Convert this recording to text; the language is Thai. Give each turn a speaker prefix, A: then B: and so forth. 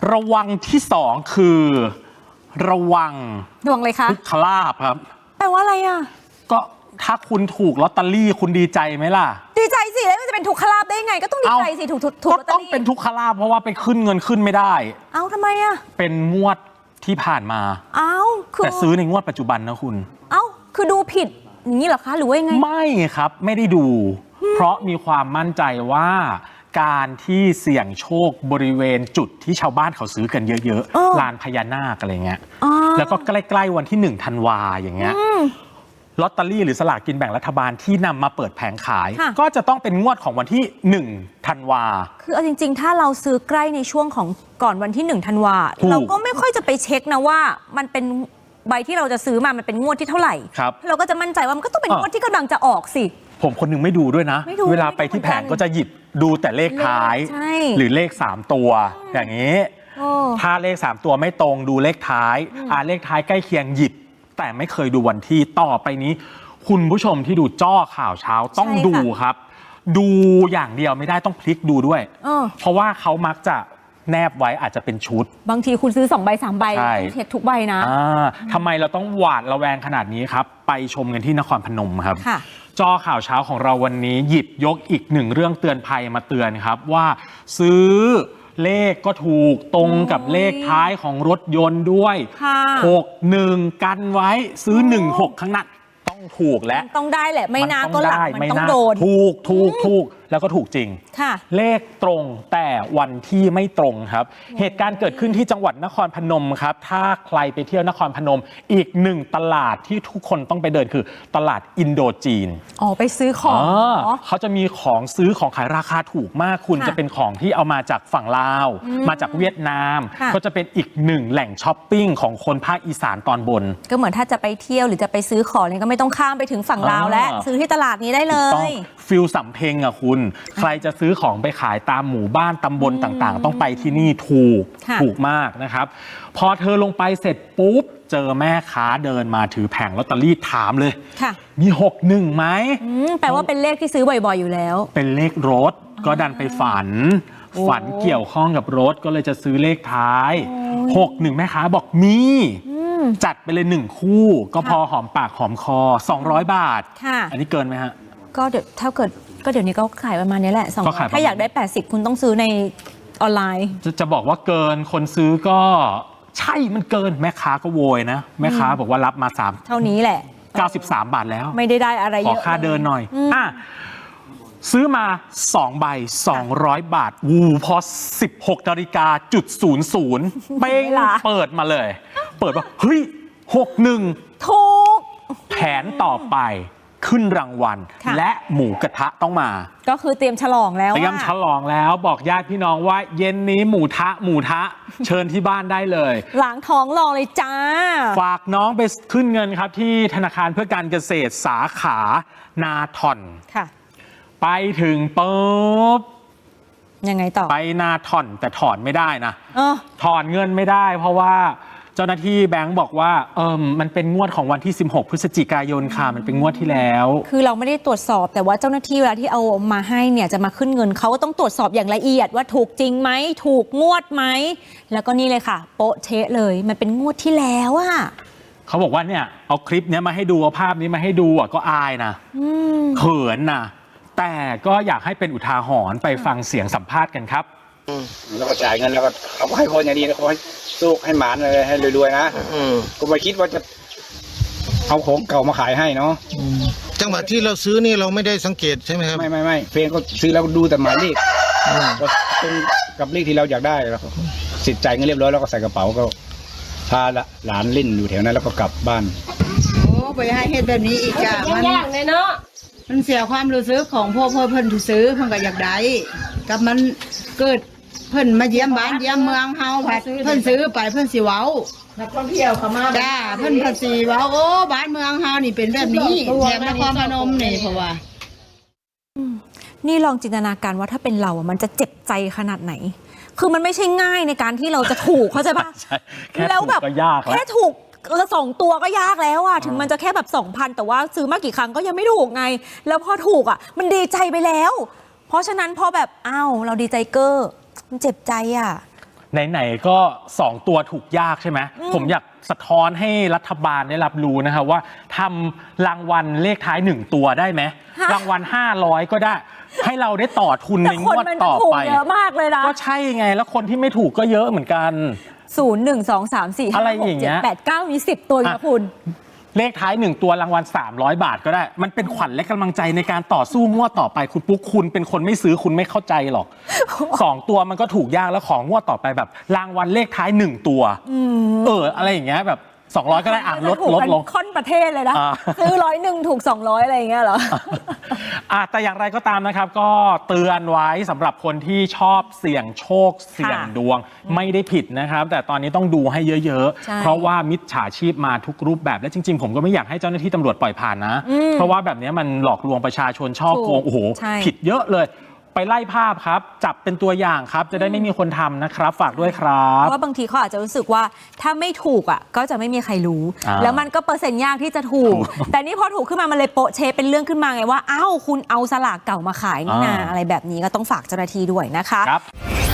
A: ระวังที่สองคือระวัง
B: ดวงเลยคะ
A: ทุกขลาภครับ
B: แปลว่าอะไรอ่ะ
A: ก็ถ้าคุณถูกลอตเตอรี่คุณดีใจไหมล่ะ
B: ดีใจสิแล้วมันจะเป็นทุกขลาภได้ไงก็ต้องดีใจสิถูก
A: ก็ต้องเป็นทุกขลาภเพราะว่าไปขึ้นเงินขึ้นไม่ได้
B: ทำไมอ่ะ
A: เป็นงวดที่ผ่านมาแต่ซื้อในงวดปัจจุบันนะคุณ
B: คือดูผิดอย่างนี้เหรอคะหรือว่ายังไง
A: ไม่ครับไม่ได้ดูเพราะมีความมั่นใจว่าการที่เสี่ยงโชคบริเวณจุดที่ชาวบ้านเขาซื้อกันเยอะๆลานพญานาคอะไรเงี้ยแล้วก็ใกล้ๆวันที่1 ธันวาอย่างเงี้ยลอตเตอรี่หรือสลากกินแบ่งรัฐบาลที่นำมาเปิดแผงขายก็จะต้องเป็นงวดของวันที่1 ธันวา
B: คือเอาจริงๆถ้าเราซื้อใกล้ในช่วงของก่อนวันที่1 ธันวาเราก็ไม่ค่อยจะไปเช็คนะว่ามันเป็นใบที่เราจะซื้อมามันเป็นงวดที่เท่าไหร่เราก็จะมั่นใจว่ามันก็ต้องเป็นงวดที่กำลังจะออกสิ
A: ผมคนนึงไม่ดูด้วยนะเวลาไปที่แผงก็จะหยิบดูแต่เลขท้ายหรือเลข3 ตัวอย่างนี้ถ้าเลข3 ตัวไม่ตรงดูเลขท้ายเลขท้ายใกล้เคียงหยิบแต่ไม่เคยดูวันที่ต่อไปนี้คุณผู้ชมที่ดูจ้อข่าวเช้าต้องดูครับดูอย่างเดียวไม่ได้ต้องพลิกดูด้วยเพราะว่าเขามักจะแนบไว้อาจจะเป็นชุด
B: บางทีคุณซื้อ2 ใบ 3 ใบเช็คทุกใบนะ
A: ทำไมเราต้องหวาดระแวงขนาดนี้ครับไปชมกันที่นครพนมครับจอข่าวเช้าของเราวันนี้หยิบยกอีก1 เรื่องเตือนภัยมาเตือนครับว่าซื้อเลขก็ถูกตรงกับเลขท้ายของรถยนต์ด้วย61กันไว้ซื้อ16ข้างหน้าต้องถูกและ
B: ต้องได้แหละไม่น่าก็หลังมันต้องโดน
A: ถูกแล้วก็ถูกจริงเลขตรงแต่วันที่ไม่ตรงครับเหตุการณ์เกิดขึ้นที่จังหวัดนครพนมครับถ้าใครไปเที่ยวนครพนมอีก1 ตลาดที่ทุกคนต้องไปเดินคือตลาดอินโดจีน
B: ไปซื้อของ
A: เขาจะมีของซื้อของขายราคาถูกมากคุณจะเป็นของที่เอามาจากฝั่งลาวมาจากเวียดนามก็จะเป็นอีก1 แหล่งช้อปปิ้งของคนภาคอีสานตอนบน
B: ก็เหมือนถ้าจะไปเที่ยวหรือจะไปซื้อของเนี่ยก็ไม่ต้องข้ามไปถึงฝั่งลาวและซื้อที่ตลาดนี้ได้เลย
A: ฟิลสำเพ็งอ่ะคุณใครจะซื้อของไปขายตามหมู่บ้านตำบลต่างๆต้องไปที่นี่ถูกมากนะครับพอเธอลงไปเสร็จปุ๊บเจอแม่ค้าเดินมาถือแผงลอตเตอรี่ถามเลยมี61ไหม
B: แปลว่าเป็นเลขที่ซื้อบ่อยๆอยู่แล้ว
A: เป็นเลขรถก็ดันไปฝันเกี่ยวข้องกับรถก็เลยจะซื้อเลขท้าย61แม่ค้าบอกมีจัดไปเลย1 คู่ก็พอหอมปากหอมคอ200 บาทอันนี้เกินไหมฮะ
B: ก็เดี๋ยวถ้าเกิดก็เดี๋ยวนี้ก็ขายประมาณนี้แหละถ้าอยากได้80คุณต้องซื้อในออนไลน์
A: จะบอกว่าเกินคนซื้อก็ใช่มันเกินแม่ค้าก็โวยนะแม่ค้าบอกว่ารับมา3
B: เท่านี้แหละ
A: 93 บาทแล้ว
B: ไม่ได้อะไรเยอะ
A: ขอค่าเดินหน่อยซื้อมา2 ใบ200 บาทพอ16 นาฬิกา00เป้งเปิดมาเลยเปิดว่าเฮ้ย61
B: ถูก
A: แผนต่อไปขึ้นรางวัลและหมูกระทะต้องมา
B: ก็คือเตรียมฉลองแล้ว
A: ฉลองแล้วบอกญาติพี่น้องว่าเย็นนี้หมูทะเชิญที่บ้านได้เลย
B: ล้างท้องรอเลยจ้า
A: ฝากน้องไปขึ้นเงินครับที่ธนาคารเพื่อการเกษตรสาขานาทอนไปถึงปุ๊บ
B: ยังไงต่อ
A: ไปนาทอนแต่ถอนไม่ได้นะถอนเงินไม่ได้เพราะว่าเจ้าหน้าที่แบงก์บอกว่ามันเป็นงวดของวันที่16 พฤศจิกายนค่ะมันเป็นงวดที่แล้ว
B: คือเราไม่ได้ตรวจสอบแต่ว่าเจ้าหน้าที่เวลาที่เอามาให้เนี่ยจะมาขึ้นเงินเขาก็ต้องตรวจสอบอย่างละเอียดว่าถูกจริงไหมถูกงวดไหมแล้วก็นี่เลยค่ะโป๊ะเช๊ะเลยมันเป็นงวดที่แล้วอะ
A: เขาบอกว่าเนี่ยเอาคลิปนี้มาให้ดูเอาภาพนี้มาให้ดูก็อายนะเขินนะแต่ก็อยากให้เป็นอุทาหรณ์ไปฟังเสียงสัมภาษณ์กันครับ
C: แล้วก็จ่ายเงินแล้วก็เขาให้คนอย่างนี้แล้วเขาให้สู้ให้หมานเลยให้รวยๆนะก็ไม่คิดว่าจะเอาของเก่ามาขายให้เนาะ
D: จังหวะที่เราซื้อนี่เราไม่ได้สังเกตใช่ไหมครับ
C: ไม่เฟนก็ซื้อแล้วดูแต่หมายเลขก็ตรงกับเลขที่เราอยากได้แล้วสิทธิ์จ่ายเงินเรียบร้อยแล้วก็ใส่กระเป๋าก็พาหลานเล่นอยู่แถวนั้นแล้วก็กลับบ้าน
E: โอ้ไปให้เหตุแบบนี้อีกจ้ะมันยากเลยเนาะมันเสียความรู้สึกของพ่อเพิ่นที่ซื้อเพิ่นก็อยากได้กับมันเกิดเพิ่นมาเยี่ยมบ้านเยี่ยมเมืองเฮาเพิ่นซื้อไปเพิ่นสิเว้านักท่องเที่ยวเข้ามาจ้าเพิ่นสิเว้าโอ้บ้านเมืองเฮานี่เป็นแบบนี้แถบนครพนมนี่เพราะว่า
B: นี่ลองจินตนาการว่าถ้าเป็นเรามันจะเจ็บใจขนาดไหนคือมันไม่ใช่ง่ายในการที่เราจะถูกเข้าใจป่ะ
A: แล้วแบบ
B: แค่ถูก2 ตัวก็ยากแล้วอะถึงมันจะแค่แบบ 2,000 แต่ว่าซื้อมากี่ครั้งก็ยังไม่ถูกไงแล้วพอถูกอะมันดีใจไปแล้วเพราะฉะนั้นพอแบบเราดีใจเก้อมันเจ็บใจอะ
A: ไหนๆก็2ตัวถูกยากใช่ไหมผมอยากสะท้อนให้รัฐบาลได้รับรู้นะครับว่าทำรางวัลเลขท้าย1ตัวได้ไหมรางวัล500ก็ได้ให้เราได้ต่อทุนในงวดต่อไป
B: เยอะมากเลยนะ
A: ก็ใช่ไงแล้วคนที่ไม่ถูกก็เยอะเหมือนกัน
B: 0 1 2 3 4
A: อะไร
B: 5
A: อย่าง
B: 6
A: เงี้ย
B: 7 8 9มี10ตัวนะคุณ
A: เลขท้าย1ตัวรางวัล300 บาทก็ได้มันเป็นขวัญและกำลังใจในการต่อสู้งวดต่อไปคุณปุ๊กคุณเป็นคนไม่ซื้อคุณไม่เข้าใจหรอก 2 ตัวมันก็ถูกยากแล้วของงวดต่อไปแบบรางวัลเลขท้าย1ตัวอะไรอย่างเงี้ยแบบ200ก็ได้ลดลง
B: ค่อนประเทศเลยนะซื้อ101ถูก200อะไรอย่างเงี้ยเหรอ
A: แต่อย่างไรก็ตามนะครับก็เตือนไว้สำหรับคนที่ชอบเสี่ยงโชคเสี่ยงดวงไม่ได้ผิดนะครับแต่ตอนนี้ต้องดูให้เยอะๆเพราะว่ามิจฉาชีพมาทุกรูปแบบและจริงๆผมก็ไม่อยากให้เจ้าหน้าที่ตำรวจปล่อยผ่านนะเพราะว่าแบบนี้มันหลอกลวงประชาชนช่อโกงโอ้โหผิดเยอะเลยไปไล่ภาพครับจับเป็นตัวอย่างครับจะได้ไม่มีคนทำนะครับฝากด้วยครับ
B: เพราะว่าบางทีเขาอาจจะรู้สึกว่าถ้าไม่ถูกก็จะไม่มีใครรู้แล้วมันก็เปอร์เซ็นต์ยากที่จะถูกแต่นี่พอถูกขึ้นมามันเลยโปะเช๊เป็นเรื่องขึ้นมาไงว่าอ้าวคุณเอาสลากเก่ามาขายนี่นาอะไรแบบนี้ก็ต้องฝากเจ้าหน้าที่ด้วยนะคะ